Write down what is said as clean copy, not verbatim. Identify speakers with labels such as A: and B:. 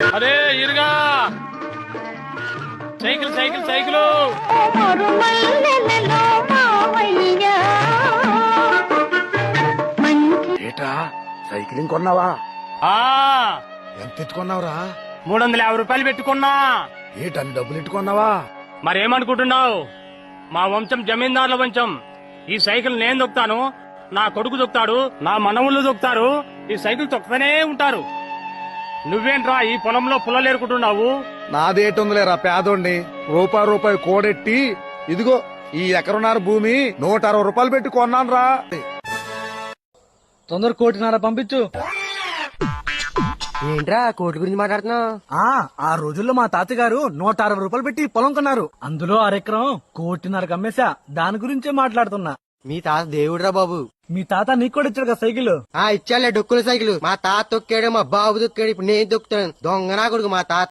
A: అరే ఇరుగా cycle cycle cycle
B: ఏటా సైకిలింగ్ కొన్నావా?
A: ఆ
B: ఎంత ఎత్తుకున్నావురా?
A: 350 రూపాయలు పెట్టుకున్నా.
B: ఏటన్ని డబ్బులు ఎట్టుకున్నావా?
A: మరేమనుకుంటున్నావు? మా వంశం జమీందారుల వంశం. ఈ సైకిల్ నేను దొక్కుతాను, నా కొడుకు దొక్కుతాడు, నా మనవుళ్ళు దొక్కుతారు. ఈ సైకిల్ తొక్కుతూనే ఉంటారు. నువ్వేంట్రా ఈ పొలంలో పుల్లలేరుకుంటున్నావు?
B: నాదేటుందిలేరా పేదోండి. రూపాయి కోడెట్టి ఇదిగో ఈ ఎకరున్నర భూమి 160 రూపాయలు పెట్టి కొన్నాను రా.
C: తొందర 1.5 పంపించు.
D: ఏంట్రా కోటి గురించి మాట్లాడుతున్నావు?
C: ఆ రోజుల్లో మా తాతగారు 160 రూపాయలు పెట్టి పొలం కొన్నారు. అందులో అరెకరం 1.5 అమ్మేశా. దాని గురించే మాట్లాడుతున్నా.
D: మీ తాత దేవుడురా బాబు.
C: మీ తాత నీకు కూడా ఇచ్చాడు కదా సైకిల్.
D: ఇచ్చాలే డొక్కుల సైకిల్. మా తాత తొక్కాడు, మా బాబు తొక్కాడు, ఇప్పుడు నేను తొక్కుతాను. దొంగ నా కొడుకు మా తాత.